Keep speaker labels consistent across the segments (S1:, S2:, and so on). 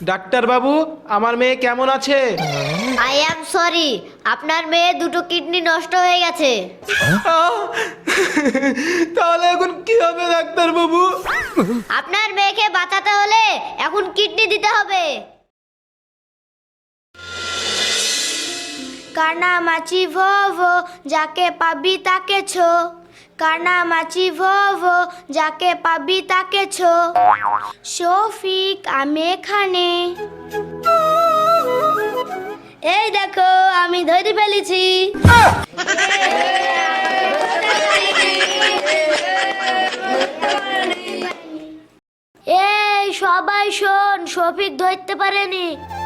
S1: Doctor বাবু, আমার মেয়ে কেমন আছে?
S2: আই অ্যাম সরি, আপনার মেয়ে দুটো কিডনি নষ্ট হয়ে গেছে।
S1: আহ! তাহলে এখন কি হবে ডাক্তার বাবু?
S2: আপনার মেয়েকে বাঁচাতে হলে এখন কিডনি দিতে হবে। কানামাছি ভোভো, যাকে পাবি তাকে ছো। কানামাছি ভোভো, যাকে পাবি তাকে ছো। শফিক, আমি এখানে। এই দেখো, আমি ধরে ফেলেছি। এই সবাই শোন, শফিক ধরতে পারেনি।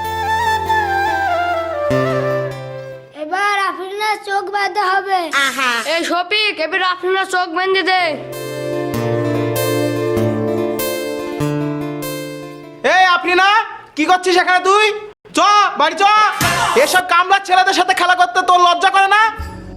S2: এবার আফরিনের চোখ বাঁধতে হবে।
S3: এই শফিক, এবার আপনার চোখ বেঁধে দে।
S1: এই আপনি না কি করছিস এখানে তুই? চ বাড়ি চ। এসব কামলার ছেলেদের সাথে খেলা করতে তোর লজ্জা করে না?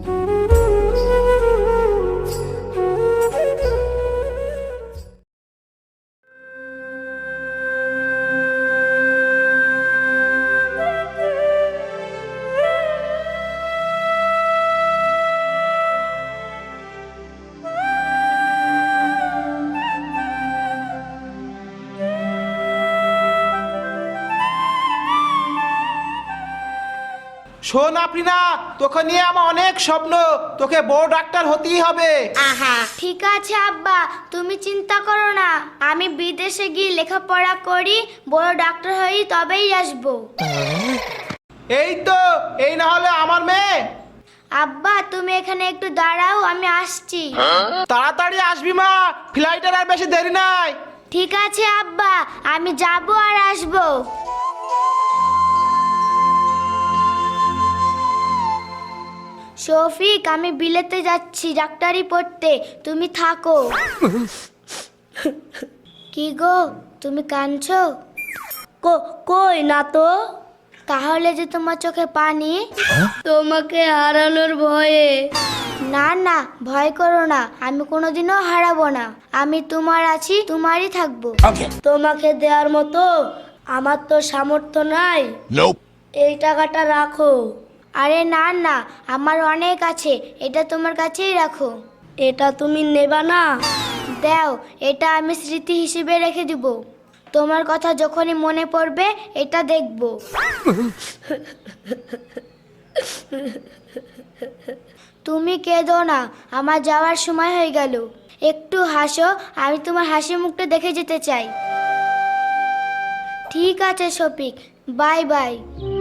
S1: শোন আফরিনা, তোকে নিয়ে আমার অনেক স্বপ্ন। তোকে বড় ডাক্তার হতেই হবে।
S2: ঠিক আছে আব্বা, তুমি চিন্তা করো না। আমি বিদেশে গিয়ে লেখাপড়া করি, বড় ডাক্তার হই, তবেই আসবো।
S1: এই তো, এই না হলে আমার মেয়ে।
S2: আব্বা, তুমি এখানে একটু দাঁড়াও, আমি আসছি।
S1: তাড়াতাড়ি আসবি মা, ফ্লাইটের আর বেশি দেরি নাই।
S2: ঠিক আছে আব্বা, আমি যাবো আর আসবো। শফিক, আমি বিলেতে যাচ্ছি ডাক্তারি পড়তে, তুমি থাকো। কি গো, তুমি কাঁদছো? কই না তো। তাহলে যে তোমার চোখে পানি? তোমাকে হারানোর ভয়ে। না না, ভয় করো না, আমি কোনোদিনও হারাবো না। আমি তোমার আছি, তোমারই থাকবো। তোমাকে দেওয়ার মতো আমার তো সামর্থ্য নাই। এই টাকাটা রাখো। আরে না না, আমার অনেক আছে, এটা তোমার কাছেই রাখো। এটা তুমি নেবা না? দাও, এটা আমি স্মৃতি হিসেবে রেখে দিব। তোমার কথা যখনই মনে পড়বে এটা দেখব। তুমি কেঁদো না, আমার যাওয়ার সময় হয়ে গেল। একটু হাসো, আমি তোমার হাসি মুখটা দেখে যেতে চাই। ঠিক আছে শফিক, বাই বাই।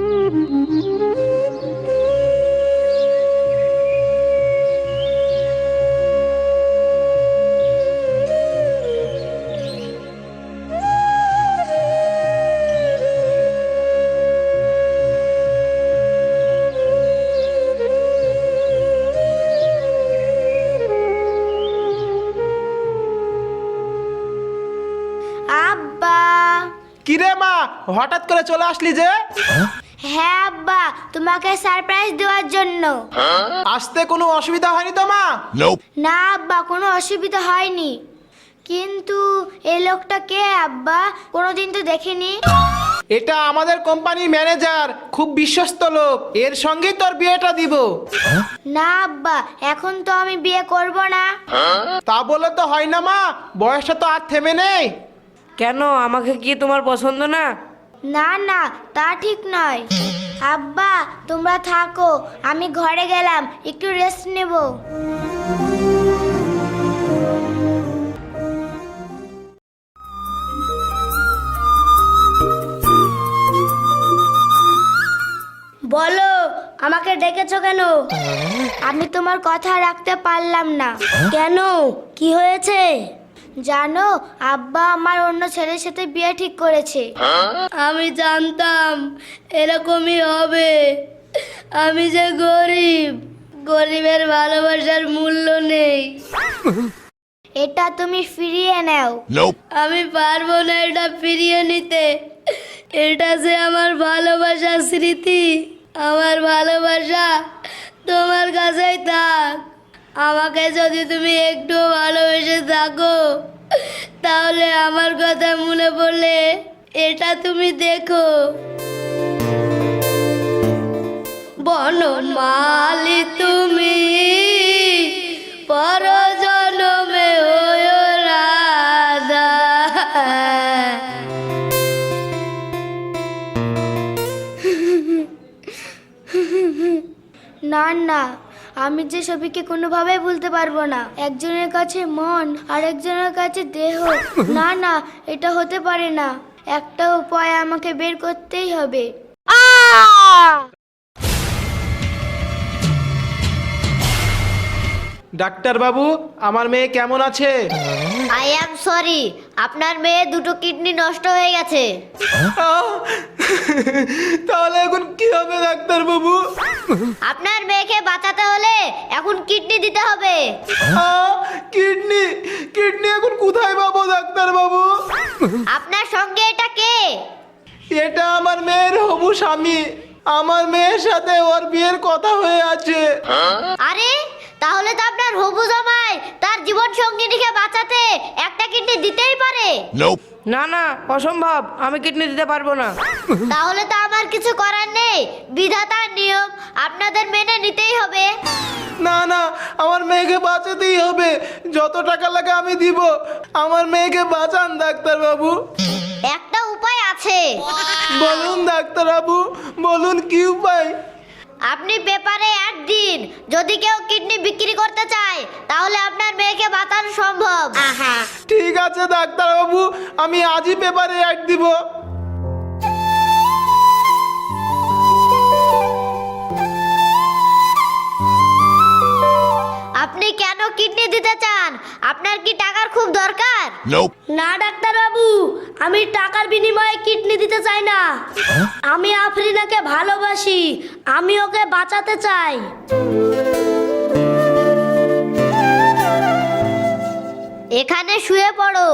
S2: আব্বা।
S1: কিরে মা, হঠাৎ করে চলে আসলি যে?
S2: হ্যাঁ আব্বা, তোমাকে সারপ্রাইজ দেওয়ার জন্য।
S1: আসতে কোনো অসুবিধা হয়নি তো মা?
S2: না আব্বা, কোনো অসুবিধা হয়নি। কিন্তু এই লোকটা কে আব্বা? কোনোদিন তো দেখিনি।
S1: এটা আমাদের কোম্পানির ম্যানেজার, খুব বিশ্বস্ত লোক। এর সঙ্গেই তোর বিয়েটা দিব।
S2: না আব্বা, এখন তো আমি বিয়ে করব না।
S1: তা বলে তো হয় না মা, বয়সটা তো আর থেমে নেই।
S3: কেন, আমাকে কি তোমার পছন্দ না?
S2: না না, তা ঠিক নয়। আব্বা, তোমরা থাকো, আমি ঘরে গেলাম, একটু রেস্ট নেব। বলো, আমাকে ডেকেছো কেন? আমি তোমার কথা রাখতে পারলাম না। কেন, কি হয়েছে? জানো, আব্বা আমার অন্য ছেলের সাথে বিয়ে ঠিক করেছে। আমি জানতাম এরকমই হবে। আমি যে গরিব, গরিবের ভালোবাসার মূল্য নেই। এটা তুমি ফিরিয়ে নাও। আমি পারবো না এটা ফিরিয়ে নিতে। এটা যে আমার ভালোবাসার স্মৃতি। আমার ভালোবাসা তোমার কাছেই থাক। আমাকে যদি তুমি একটু ভালোবেসে থাকো, তাহলে আমার কথা মনে পড়লে এটা তুমি দেখো। বনমালী তুমি পরজনমে হয়ো রাধা। না না, আমি যে সবিকে কোনোভাবেই ভুলতে পারবো না। একজনের কাছে মন আর একজনের কাছে দেহ। না না, এটা হতে পারে না। একটা উপায় আমাকে বের করতেই হবে।
S1: ডাক্তার বাবু, আমার মেয়ে কেমন আছে?
S2: আই অ্যাম সরি, আপনার মেয়ে দুটো কিডনি নষ্ট হয়ে গেছে।
S1: আহ! তাহলে এখন কি হবে ডাক্তার বাবু?
S2: আপনার মেয়েকে বাঁচাতে হলে এখন কিডনি দিতে হবে।
S1: কিডনি কিডনি এখন কোথায় পাবো ডাক্তার বাবু?
S2: আপনার সঙ্গে এটা কে?
S1: এটা আমার মেয়ের হবু স্বামী। আমার মেয়ের সাথে ওর বিয়ের কথা হয়ে আছে।
S2: আরে, তাহলে তো আপনার হবু জামাই তার জীবন সঙ্গিনীকে বাঁচাতে একটা কিডনি দিতেই পারে।
S3: না না, অসম্ভব, আমি কিডনি দিতে পারবো না।
S2: তাহলে তো আমার কিছু করার নেই, বিধাতার নিয়ম আপনাদের মেনে নিতেই হবে।
S1: না না, আমার মেয়েকে বাঁচাতেই হবে। যত টাকা লাগে আমি দিব। আমার মেয়েকে বাঁচান ডাক্তার বাবু।
S2: একটা উপায় আছে।
S1: বলুন ডাক্তার বাবু, বলুন কি উপায়?
S2: আপনি পেপারে অ্যাড দিন, যদি কেউ কিডনি বিক্রি করতে চায় তাহলে আপনার মেয়েকে বাঁচানো সম্ভব।
S1: ঠিক আছে ডাক্তার বাবু, আমি আজই পেপারে অ্যাড দিব।
S2: আপনি কেন কিডনি দিতে চান? আপনার কি টাকার খুব দরকার? না ডাক্তার বাবু, আমি টাকার বিনিময়ে কিডনি দিতে চাই না। আমি আফরিনাকে ভালোবাসি, আমি ওকে বাঁচাতে চাই। এখানে শুয়ে পড়ো।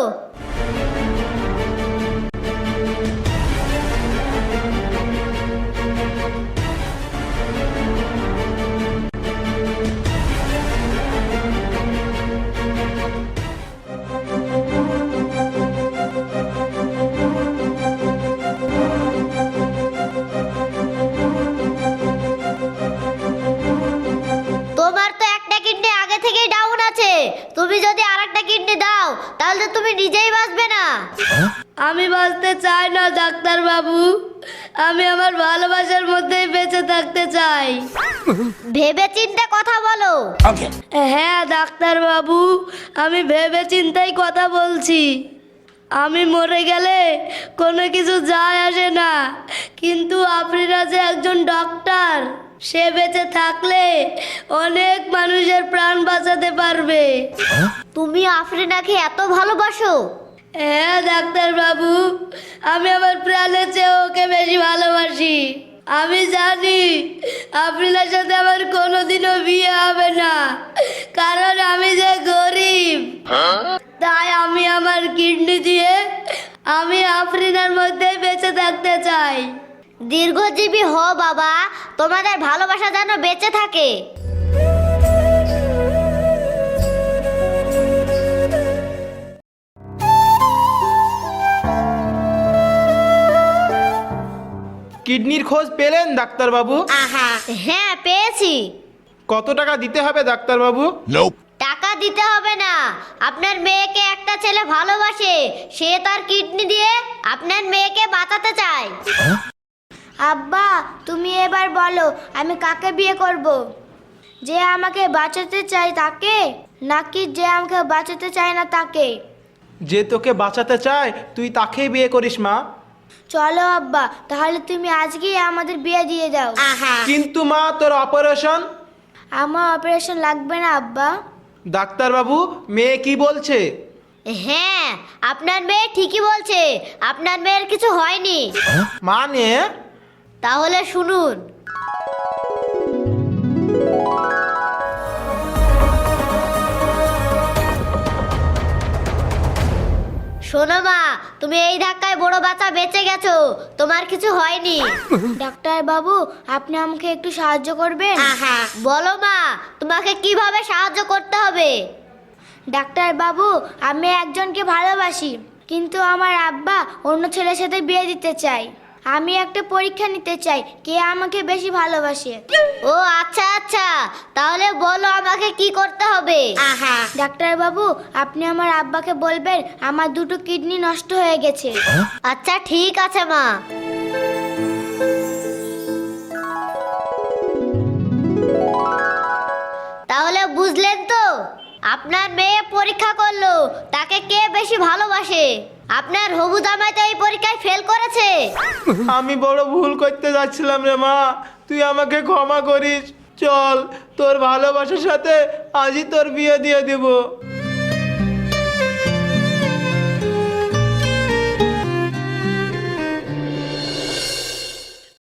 S2: তোমার তো একটা কিডনি আগে থেকেই ডাউন আছে। তুমি যদি আরেকটা কিডনি দাও তাহলে তুমি নিজেই বাঁচবে না। আমি বাঁচতে চাই না ডাক্তার বাবু, আমি আমার ভালোবাসার মধ্যেই বেঁচে থাকতে চাই। ভেবে চিন্তে কথা বলো। হ্যাঁ ডাক্তার বাবু, আমি ভেবে চিন্তেই কথা বলছি। আমি মরে গেলে কোনো কিছু যায় আসে না, কিন্তু আফরিনা যে একজন ডক্টর, সে বেঁচে থাকলে অনেক মানুষের প্রাণ বাঁচাতে পারবে। তুমি আফরিনাকে এত ভালোবাসো? হ্যাঁ ডাক্তার বাবু, আমি আমার প্রাণের চেয়ে ওকে বেশি ভালোবাসি। আমি জানি আফরিনার সাথে আমার কোনোদিনও বিয়ে হবে না, কারণ আমি যে গরিব। তাই আমি আমার কিডনি দিয়ে আমি আফরিনার মধ্যে বেঁচে থাকতে চাই। দীর্ঘজীবী হও বাবা, তোমাদের ভালোবাসা যেন বেঁচে থাকে।
S1: কিডনির খোঁজ পেলেন ডাক্তার বাবু?
S2: হ্যাঁ পেয়েছি।
S1: কত টাকা দিতে হবে ডাক্তার বাবু?
S2: টাকা দিতে হবে না, আপনার মেয়েকে একটা ছেলে ভালোবাসে, সে তার কিডনি দিয়ে আপনার মেয়েকে বাঁচাতে চায়। আব্বা, তুমি এবার বলো আমি কাকে বিয়ে করব? যে আমাকে বাঁচাতে চায় তাকে, নাকি যে আমাকে বাঁচাতে চায় না তাকে?
S1: যে তোকে বাঁচাতে চায় তুই তাকেই বিয়ে করিস মা।
S2: চলো আব্বা, তাহলে তুমি আজকেই আমাদের বিয়ে দিয়ে দাও।
S1: কিন্তু মা, তোর অপারেশন?
S2: আমার অপারেশন লাগবে না আব্বা।
S1: ডাক্তার বাবু, মেয়ে কি বলছে?
S2: হ্যাঁ, আপনার মেয়ে ঠিকই বলছে, আপনার মেয়ের কিছু হয়নি।
S1: মানে?
S2: তাহলে শুনুন। শোনো মা, তুমি এই ধাক্কায় বড় বাচ্চা বেঁচে গেছো, তোমার কিছু হয়নি। ডাক্তার বাবু, আপনি আমাকে একটু সাহায্য করবেন? বলো মা, তোমাকে কিভাবে সাহায্য করতে হবে? ডাক্তার বাবু, আমি একজনকে ভালোবাসি, কিন্তু আমার আব্বা অন্য ছেলের সাথে বিয়ে দিতে চায়। আমি একটা পরীক্ষা নিতে চাই, কে আমাকে বেশি ভালোবাসে।
S4: ও আচ্ছা আচ্ছা, তাহলে বলো আমাকে কি করতে হবে?
S2: ডাক্তার বাবু, আপনি আমার আব্বাকে বলবেন আমার দুটো কিডনি নষ্ট হয়ে গেছে।
S4: আচ্ছা ঠিক আছে মা। তাহলে বুঝলেন তো, আপনার মেয়ে পরীক্ষা করলো তাকে কে বেশি ভালোবাসে। আপনার হবু জামাই তো এই পরীক্ষায় ফেল করেছে।
S1: আমি বড় ভুল করতে যাচ্ছিলাম রে মা, তুই আমাকে ক্ষমা করিস। চল, তোর ভালোবাসার সাথে আজই তোর বিয়ে দিয়ে দিব।